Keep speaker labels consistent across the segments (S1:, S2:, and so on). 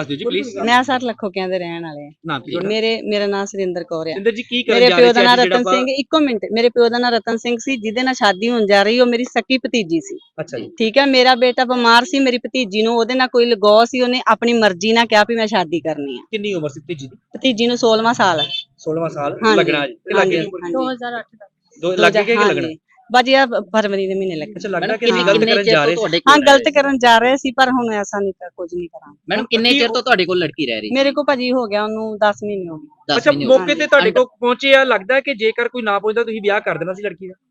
S1: ਦੱਸ ਦਿਓ ਜੀ ਪਲੀਜ਼।
S2: ਮੈਂ ਸਰ ਲੱਖੋਕਿਆਂ ਦੇ ਰਹਿਣ ਵਾਲੇ
S1: ਨਾਮ ਕੀ ਤੁਹਾਡਾ?
S2: ਮੇਰਾ ਨਾਮ ਸੁਰਿੰਦਰ ਕੌਰ ਹੈ।
S1: ਸਿੰਦਰ ਜੀ ਕੀ ਕਰਨ
S2: ਮੇਰੇ
S1: ਜਾ
S2: ਪਿਓ
S1: ਰਹੇ
S2: ਦਾ
S1: ਸੀ
S2: ਨਾਮ
S1: ਅੱਜ ਜਿਹੜਾ
S2: ਰਤਨ ਸਿੰਘ, ਇੱਕੋ ਮਿੰਟ, ਮੇਰੇ ਪਿਓ ਦਾ ਨਾਮ ਰਤਨ ਸਿੰਘ ਸੀ, ਜਿਹਦੇ ਨਾਲ ਸ਼ਾਦੀ ਹੋਣ ਜਾ ਰਹੀ, ਉਹ ਮੇਰੀ ਸਕੀ ਭਤੀਜੀ ਸੀ।
S1: ਅੱਛਾ ਜੀ।
S2: ਠੀਕ ਹੈ, ਮੇਰਾ ਬੇਟਾ ਬਿਮਾਰ ਸੀ, ਮੇਰੀ ਭਤੀਜੀ ਨੂੰ ਉਹਦੇ ਨਾਲ ਕੋਈ ਲਗਾਅ ਸੀ, ਉਹਨੇ ਆਪਣੀ ਮਰਜ਼ੀ ਨਾਲ ਕਿਹਾ ਵੀ ਮੈਂ ਸ਼ਾਦੀ ਕਰਨੀ ਹੈ।
S1: ਕਿੰਨੀ ਉਮਰ ਸੀ ਭਤੀਜੀ ਦੀ?
S2: ਭਤੀਜੀ ਨੂੰ 16ਵਾਂ ਸਾਲ।
S1: 16ਵਾਂ ਸਾਲ
S2: ਹਾਂਜੀ
S1: ਲੱਗਣਾ ਜੀ ਤੇ ਲੱਗੇ
S2: ਹਾਂਜੀ
S3: 2008 ਦਾ।
S1: ਦੋ ਲੱਗੇ ਕਿ ਲੱਗਣਾ?
S2: ਬਾਜੀ ਆ ਫਰਵਰੀ ਦੇ ਮਹੀਨੇ ਲੱਗੇ।
S1: ਅੱਛਾ ਲੱਗਦਾ ਕਿ ਅਸੀਂ ਗਲਤ ਕਰਨ ਜਾ ਰਹੇ ਸੀ।
S2: ਹਾਂ ਗਲਤ ਕਰਨ ਜਾ ਰਹੇ ਸੀ, ਪਰ ਹੁਣ ਐਸਾ ਨਹੀਂ ਕਰ ਕੁਝ ਨਹੀਂ ਕਰਾਂਗੇ।
S4: ਮੈਡਮ ਕਿੰਨੇ ਚਿਰ ਤੋਂ ਤੁਹਾਡੇ ਕੋਲ ਲੜਕੀ ਰਹਿ ਰਹੀ?
S2: ਮੇਰੇ ਕੋ ਭਾਜੀ ਹੋ ਗਿਆ ਉਹਨੂੰ 10 ਮਹੀਨੇ ਹੋ ਗਏ।
S1: ਅੱਛਾ ਮੌਕੇ ਤੇ ਤੁਹਾਡੇ ਕੋਲ ਪਹੁੰਚੇ ਆ, ਲੱਗਦਾ ਕਿ ਜੇਕਰ ਕੋਈ ਨਾ ਪਹੁੰਚਦਾ ਤੁਸੀਂ ਵਿਆਹ ਕਰ ਦੇਣਾ ਸੀ ਲੜਕੀ ਦਾ।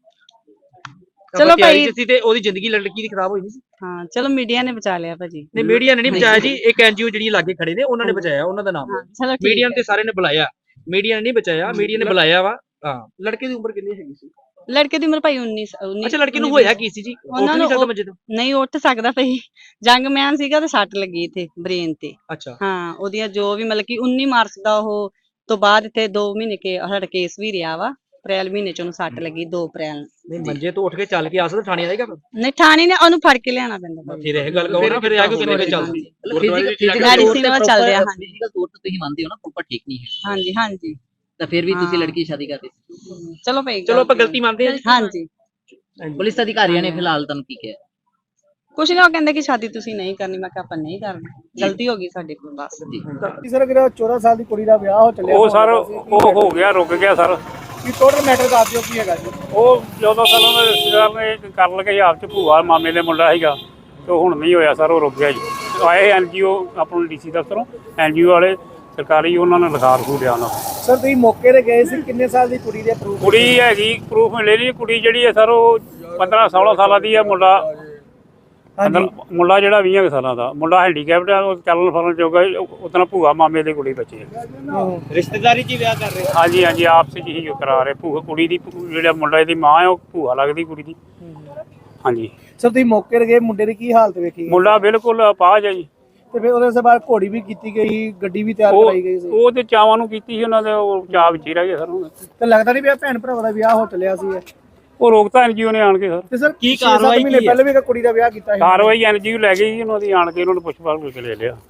S2: ਚਲੋ ਭਾਈ
S1: ਸੀ ਤੇ ਉਹਦੀ ਜ਼ਿੰਦਗੀ ਲੜਕੀ ਦੀ ਖਰਾਬ ਹੋਈ ਨਹੀਂ ਸੀ।
S2: ਹਾਂ ਚਲੋ ਮੀਡੀਆ ਨੇ ਬਚਾ ਲਿਆ ਭਾਜੀ।
S1: ਨਹੀਂ ਮੀਡੀਆ ਨੇ ਨਹੀਂ ਬਚਾਇਆ ਜੀ, ਇੱਕ ਐਨਜੀਓ ਜਿਹੜੀ ਲਾਗੇ ਖੜੇ ਨੇ ਉਹਨਾਂ ਨੇ ਬਚਾਇਆ, ਉਹਨਾਂ ਦਾ ਨਾਮ ਮੀਡੀਆ ਤੇ ਸਾਰੇ ਨੇ ਬੁਲਾਇਆ, ਮੀਡੀਆ ਨੇ ਨਹੀਂ ਬਚਾਇਆ, ਮੀਡੀਆ ਨੇ ਬੁਲਾਇਆ ਵਾ। ਹਾਂ ਲੜਕੇ ਦੀ ਉਮਰ ਕਿੰਨੀ ਹੈਗੀ ਸੀ?
S2: ਲੜਕੇ ਦੀ ਉਮਰ ਭਾਈ 19।
S1: ਅੱਛਾ ਲੜਕੇ ਨੂੰ ਹੋਇਆ ਕੀ ਸੀ ਜੀ?
S2: ਉਹਨਾਂ ਨੂੰ ਨਹੀਂ ਉੱਠ ਸਕਦਾ ਭਾਈ, ਜੰਗ ਮੈਨ ਸੀਗਾ ਤੇ ਸੱਟ ਲੱਗੀ ਇੱਥੇ ਬ੍ਰੇਨ ਤੇ।
S1: ਅੱਛਾ
S2: ਹਾਂ ਉਹਦੀਆਂ ਜੋ ਵੀ ਮਤਲਬ ਕਿ 19 ਮਾਰਚ ਦਾ ਉਹ ਤੋਂ ਬਾਅਦ ਇੱਥੇ 2 ਮਹੀਨੇ ਸਾਡਾ ਕੇਸ ਵੀ ਰਿਹਾ ਵਾ। ਅਪ੍ਰੈਲ ਮਹੀਨੇ ਚ ਉਹਨੂੰ ਸੱਟ ਲੱਗੀ 2 ਅਪ੍ਰੈਲ ਨੂੰ।
S1: ਨਹੀਂ ਮੰਜੇ ਤੋਂ ਉੱਠ ਕੇ ਚੱਲ ਕੇ ਆ ਸਕਦਾ, ਥਾਣੇ ਆਏਗਾ?
S2: ਨਹੀਂ ਥਾਣੇ ਨੇ ਉਹਨੂੰ ਫੜ ਕੇ ਲਿਆਣਾ ਪੈਂਦਾ।
S1: ਫਿਰ ਇਹ ਗੱਲ ਕਹੋ ਨਾ, ਫਿਰ ਆ ਕੇ ਕਿੰਨੇ ਵਜੇ ਚੱਲਦੀ?
S2: ਮੈਡੀਸਿਨ ਨਾਲ ਚੱਲ ਰਿਹਾ। ਹਾਂਜੀ
S4: ਫਿਜ਼ੀਕਲ ਤੌਰ ਤੇ ਤੁਸੀਂ ਮੰਨਦੇ ਹੋ ਨਾ ਪ੍ਰੋਪਰ ਠੀਕ ਨਹੀਂ ਹੈ?
S2: ਹਾਂਜੀ ਹਾਂਜੀ।
S4: ਤਾਂ ਫਿਰ ਵੀ ਤੁਸੀਂ ਲੜਕੀ ਦੀ ਸ਼ਾਦੀ ਕਰਦੇ ਸੀ?
S2: ਚਲੋ ਭਾਈ
S1: ਚਲੋ ਆਪਾਂ ਗਲਤੀ ਮੰਨਦੇ ਹਾਂ।
S2: ਹਾਂਜੀ
S4: ਪੁਲਿਸ ਅਧਿਕਾਰੀਆਂ ਨੇ ਫਿਲਹਾਲ ਤੁਹਾਨੂੰ ਕੀ ਕਿਹਾ?
S2: ਕੁਛ ਨਹੀਂ, ਉਹ ਕਹਿੰਦੇ ਕਿ ਸ਼ਾਦੀ ਤੁਸੀਂ ਨਹੀਂ ਕਰਨੀ। ਮੈਂ ਕਿਹਾ ਆਪਾਂ ਨਹੀਂ ਕਰਨੀ, ਗਲਤੀ ਹੋ ਗਈ ਸਾਡੇ ਕੋਲ ਬਸ।
S5: ਸਰ ਜਿਹੜਾ 14 ਸਾਲ ਦੀ ਕੁੜੀ ਦਾ ਵਿਆਹ ਹੋ ਚੱਲਿਆ,
S6: ਉਹ ਸਰ ਉਹ ਹੋ ਗਿਆ, ਰੁਕ ਗਿਆ ਸਰ।
S5: ਕੀ ਟੋਟਲ ਮੈਟਰ ਦੱਸ ਦਿਓ ਕੀ ਹੈਗਾ ਜੀ?
S6: ਉਹ 14 ਸਾਲਾਂ ਦਾ ਰਿਸ਼ਤੇਦਾਰ ਨੇ ਕਰਨ ਲੱਗੇ ਆਪ ਚ, ਭੂਆ ਮਾਮੇ ਦੇ ਮੁੰਡਾ ਸੀਗਾ, ਤੇ ਹੁਣ ਨਹੀਂ ਹੋਇਆ ਸਰ, ਉਹ ਰੁਕ ਗਿਆ ਜੀ। ਆਏ ਐਨਜੀਓ ਆਪਣਾ ਡੀਸੀ ਦਫ਼ਤਰੋਂ, ਐਨਜੀਓ ਵਾਲੇ ਸਰਕਾਰੀ, ਉਹਨਾਂ ਨੇ ਲਿਖਾ ਰਖੂ ਲਿਆ ਉਹਨਾਂ।
S5: ਸਰ ਤੁਸੀਂ ਮੌਕੇ ਤੇ ਗਏ ਸੀ, ਕਿੰਨੇ ਸਾਲ ਦੀ ਕੁੜੀ ਦੇ ਪ੍ਰੂਫ?
S6: ਕੁੜੀ ਹੈਗੀ, ਪ੍ਰੂਫ ਮਿਲੇ ਜੀ। ਕੁੜੀ ਜਿਹੜੀ ਹੈ ਸਰ ਉਹ 15-16 ਸਾਲਾਂ ਦੀ ਹੈ। ਮੁੰਡਾ ਜਿਹੜਾ 20 ਸਾਲਾਂ ਦਾ ਮੁੰਡਾ ਹੈਂਡੀਕੈਪਟ ਹੈ, ਉਹ ਚੱਲਣ ਫਿਰਨ ਜੋਗਾ। ਉਤਨਾ ਭੂਆ ਮਾਮੇ ਦੀ ਕੁੜੀ ਬੱਚੀ ਹੈ।
S5: ਰਿਸ਼ਤੇਦਾਰੀ 'ਚ ਵਿਆਹ ਕਰ ਰਹੇ?
S6: ਹਾਂਜੀ ਹਾਂਜੀ, ਆਪਸ 'ਚ ਹੀ ਕਰਾ ਰਹੇ। ਭੂਆ ਕੁੜੀ ਦੀ ਜਿਹੜਾ ਮੁੰਡਾ ਇਹਦੀ ਮਾਂ ਹੈ, ਉਹ ਭੂਆ ਲੱਗਦੀ ਕੁੜੀ ਦੀ। ਹਾਂਜੀ
S5: ਸਰ ਤੁਸੀਂ ਮੌਕੇ ਤੇ ਗਏ, ਮੁੰਡੇ ਦੀ ਕੀ ਹਾਲਤ ਵੇਖੀ?
S6: ਮੁੰਡਾ ਬਿਲਕੁਲ ਅਪਾਹਜ ਹੈ ਜੀ।
S5: ਤੇ ਫਿਰ ਉਹਦੇ ਬਾਅਦ ਘੋੜੀ ਵੀ ਕੀਤੀ ਗਈ, ਗੱਡੀ ਵੀ ਤਿਆਰ ਕਰਾਈ ਗਈ ਸੀ?
S6: ਉਹ ਤੇ ਚਾਵਾਂ ਨੂੰ ਕੀਤੀ ਸੀ ਉਹਨਾਂ ਦੇ, ਉਹ ਚਾਅ ਵਿੱਚ ਹੀ ਰਹਿ ਗਏ ਸਰ।
S5: ਤੇ ਲੱਗਦਾ ਨਹੀਂ ਵੀ ਭੈਣ ਭਰਾਵਾਂ ਦਾ ਵਿਆਹ ਹੋ ਚੱਲਿਆ ਸੀ?
S6: ਉਹ ਰੋਕਤਾ ਐਨਜੀਓ ਨੇ ਆਣ ਕੇ ਸਰ।
S5: ਤੇ ਸਰ
S1: ਕੀ ਕਾਰਵਾਈ
S5: ਮਹੀਨੇ ਪਹਿਲੇ ਵੀ ਕੁੜੀ ਦਾ ਵਿਆਹ ਕੀਤਾ ਸੀ?
S6: ਕਾਰਵਾਈ ਐਨਜੀਓ ਲੈ ਗਈ ਉਹਨਾਂ ਦੀ, ਆਣ ਕੇ ਉਹਨਾਂ ਨੂੰ ਪੁੱਛ ਪਾਛ ਕੇ ਲੈ ਲਿਆ।